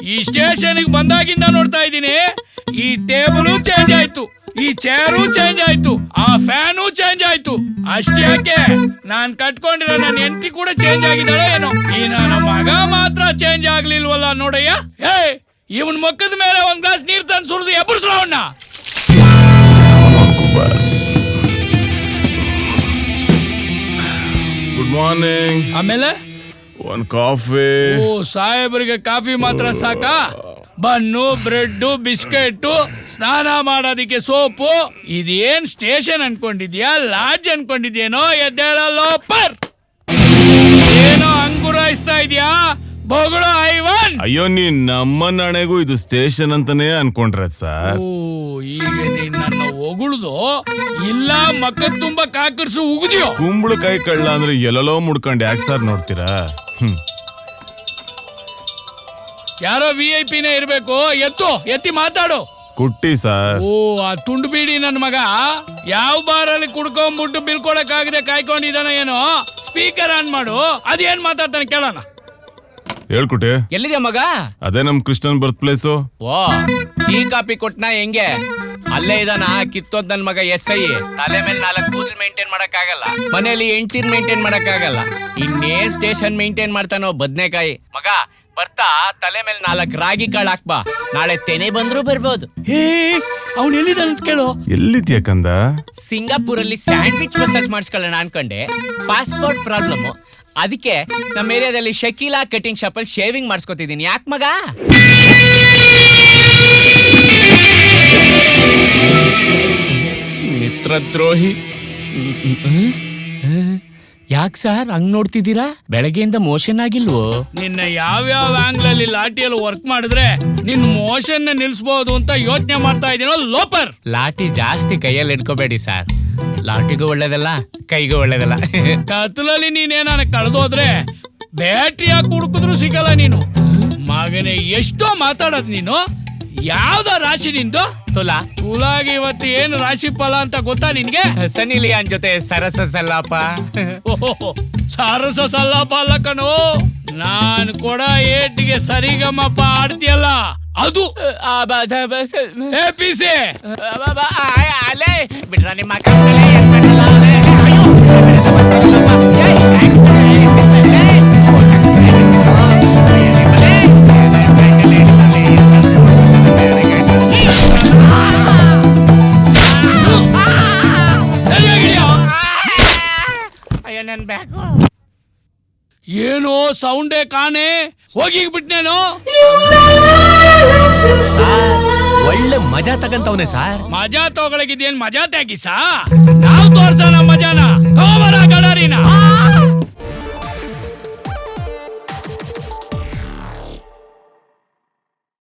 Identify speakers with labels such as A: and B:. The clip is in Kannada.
A: ಈ ಸ್ಟೇಷನ್ ಬಂದಾಗಿಂದ ನೋಡ್ತಾ ಇದ್ದೀನಿ, ಈ ಟೇಬಲ್ ಚೇಂಜ್ ಆಯ್ತು, ಈ ಚೇರು ಚೇಂಜ್ ಆಯ್ತು, ಆ ಫ್ಯಾನು ಚೇಂಜ್ ಆಯ್ತು. ಅಷ್ಟೇ ಯಾಕೆ, ನಾನ್ ಕಟ್ಕೊಂಡಿರೋ ನನ್ನ ಹೆಂಡತಿ ಕೂಡ ಚೇಂಜ್ ಆಗಿದ್ದಾಳೆ ಏನೋ, ಈ ನನ್ನ ಮಗ ಮಾತ್ರ ಚೇಂಜ್ ಆಗ್ಲಿಲ್ವಲ್ಲ ನೋಡಯ್ಯ. ಹೇ, ಇವನ್ ಮಕ್ಕದ ಮೇಲೆ ಒಂದ್ ಗ್ಲಾಸ್ ನೀರ್ ತಂದು ಸುರಿದು ಎಬ್ಬರಿಸ್ರವಣ್ಣ.
B: Good morning.
A: ಆಮೇಲೆ
B: ಒಂದ್ ಕಾಫಿ.
A: ಓ, ಸಾಹೇಬರಿಗೆ ಕಾಫಿ ಮಾತ್ರ ಸಾಕಾ? ಬನ್ನು, ಬ್ರೆಡ್, ಬಿಸ್ಕೆಟ್, ಸ್ನಾನ ಮಾಡೋದಿಕ್ಕೆ ಸೋಪು. ಇದೇನ್ ಸ್ಟೇಷನ್ ಅನ್ಕೊಂಡಿದ್ಯಾ, ಲಾಡ್ಜ್ ಅನ್ಕೊಂಡಿದ್ಯೇನೋ? ಎದ್ದೇಳಲ್ಲೋ ಪರ್, ಏನೋ ಅಂಗುರಾಯಿಸ್ತಾ ಇದ್ಯಾ? ಬೊಗಳು ಐವನ್.
B: ಅಯ್ಯೋ, ನೀನ್ ನಮ್ಮ ನಾಣೆಗೂ ಇದು ಸ್ಟೇಷನ್ ಅಂತಾನೆ ಅನ್ಕೊಂಡ್ರ ಸರ್.
A: ಓ, ಈಗ ನೀನ್ ನನ್ನ ಹೊಗುಳ್ದು ಇಲ್ಲ ಮಕ್ಕದ್ ತುಂಬಾ ಕಾಕರ್ಸು ಉಗಿದ್ಯೋ?
B: ಕುಂಬಳಕಾಯಿ ಕಳ್ಳ ಅಂದ್ರೆ ಎಲ್ಲೆಲ್ಲೋ ಮುಡ್ಕೊಂಡು ಯಾಕೆ ಸರ್ ನೋಡ್ತೀರಾ?
A: ಯಾರೋ VIP-ನೇ ಇರ್ಬೇಕು. ಎತ್ತಿ ಮಾತಾಡು.
B: ಕುಟ್ಟಿ ಸರ್.
A: ಓ, ಆ ತುಂಡು ಬೀಡಿ ನನ್ನ ಮಗ ಯಾವ ಬಾರಲ್ಲಿ ಕುಡ್ಕೊಂಡ್ಬಿಟ್ಟು ಬಿಲ್ ಕೊಡಕ್ ಆಗದೆ ಕಾಯ್ಕೊಂಡಿದ್ದಾನ ಏನೋ. ಸ್ಪೀಕರ್ ಆನ್ ಮಾಡು, ಅದೇನ್ ಮಾತಾಡ್ತಾನೆ ಕೇಳೋಣ.
B: ಹೇಳ್ಕೊಟ್ಟೆ.
C: ಎಲ್ಲಿದೆ ಮಗ?
B: ಅದೇ ನಮ್ ಕೃಷ್ಣನ್ ಬರ್ತ್ ಪ್ಲೇಸು.
C: ಓ, ಟೀ ಕಾಪಿ ಕೊಟ್ನಾ ಹೆಂಗೆ? ಅಲ್ಲೇ ಇದಾನ ಕಿತ್ತೋದ್ ನನ್ ಮಗ SI. ತಲೆ ಮೇಲೆ 4 ಕೂದಲು ಮೇಂಟೈನ್ ಮಾಡಕ್ ಆಗಲ್ಲ, ಮನೇಲಿ ಹೆಂಡ್ತಿರ್ ಮೇಂಟೈನ್ ಮಾಡಕ್ ಆಗಲ್ಲ, ಇನ್ನೇ ಸ್ಟೇಷನ್ ಮೇಂಟೈನ್ ಮಾಡ್ತಾನೋ ಬದ್ನೆಕಾಯಿ. ಮಗ ಬರ್ತಾ ತಲೆ ಮೇಲೆ 4 ರಾಗಿ ಕಾಳು ಹಾಕ್ಬಾ, ನಾಳೆ ತೆನೆ ಬಂದ್ರು ಬರ್ಬೋದು.
A: ಹೇ, ಅವ್ನು ಎಲ್ಲಿದ್ದಾನೆ ಅಂತ ಕೇಳು.
B: ಎಲ್ಲಿದ್ಯಾ ಕಂದ?
C: ಸಿಂಗಾಪುರಲ್ಲಿ ಸ್ಯಾಂಡ್ವಿಚ್ ಮಸಾಜ್ ಮಾಡಿಸ್ಕೊಳ್ಳೋಣ ಅನ್ಕೊಂಡೆ, ಪಾಸ್ಪೋರ್ಟ್ ಪ್ರಾಬ್ಲಮ್. ಅದಕ್ಕೆ ನಮ್ಮ ಏರಿಯಾದಲ್ಲಿ ಶಕೀಲಾ ಕಟಿಂಗ್ ಶಾಪ್ ಅಲ್ಲಿ ಶೇವಿಂಗ್ ಮಾಡಿಸ್ಕೊತಿದ್ದೀನಿ. ಯಾಕೆ ಮಗ? ಮಿತ್ರದ್ರೋಹಿ. ಯಾಕೆ ಸರ್ ಹಂಗ್ ನೋಡ್ತಿದ್ದೀರಾ? ಬೆಳಗ್ಗೆಯಿಂದ ಮೋಷನ್ ಆಗಿಲ್ವೋ?
A: ನಿನ್ನ ಯಾವ್ಯಾವ ಆಂಗ್ಲ್ ಅಲ್ಲಿ ಲಾಠಿಯಲ್ಲಿ ವರ್ಕ್ ಮಾಡಿದ್ರೆ ನಿನ್ ಮೋಷನ್ ನಿಲ್ಸಬಹುದು ಅಂತ ಯೋಚನೆ ಮಾಡ್ತಾ ಇದೀನೋ ಲೋಪರ್.
C: ಲಾಠಿ ಜಾಸ್ತಿ ಕೈಯಲ್ಲಿ ಇಟ್ಕೋಬೇಡಿ ಸರ್, ಲಾಠಿಗೂ ಒಳ್ಳೇದಲ್ಲ ಕೈಗೂ ಒಳ್ಳೇದಲ್ಲ.
A: ಕತ್ತಲಲ್ಲಿ ನೀನೇನ ಕಳೆದೋದ್ರೆ ಬ್ಯಾಟ್ರಿ ಹಾಕಿ ಹುಡುಕಿದ್ರು ಸಿಗಲ್ಲ ನೀನು. ಮಗನೇ, ಎಷ್ಟೋ ಮಾತಾಡೋದ್ ನೀನು. ಯಾವ್ದ ರಾಶಿ ನಿಂದು? ತುಲಾಗಿ ಇವತ್ತು ಏನು ರಾಶಿ ಫಲ ಅಂತ ಗೊತ್ತಾ ನಿನ್ಗೆ?
C: ಸನ್ನಿ ಲಿಯಾನ್ ಜೊತೆ ಸರಸ ಸಲ್ಲಾಪ.
A: ಓಹೋ, ಸಾರಸ ಸಲ್ಲಾಪ ಅಲ್ಲ ಕಣೋ, ನಾನ್ ಕೊಡ ಏಟಿಗೆ ಸರಿಗಮಪ್ಪ ಆಡ್ತಿಯಲ್ಲ ಅದು. APC
C: ಅಲೇ ಬಿಡ್ರ ನಿಮ್ಮ
A: ಏನೋ ಸೌಂಡೇ ಕಾಣೆ, ಹೋಗಿ ಬಿಟ್ನೇನೋ.
D: ಒಳ್ಳೆ ಮಜಾ ತಗಂತವನೆ ಸಾರ್.
A: ಮಜಾ ತಗೊಳಗಿದ್ದೇನ್ ಮಜಾ ತೆಗಿಸಾ? ನಾವ್ ತೋರ್ಸೋಣ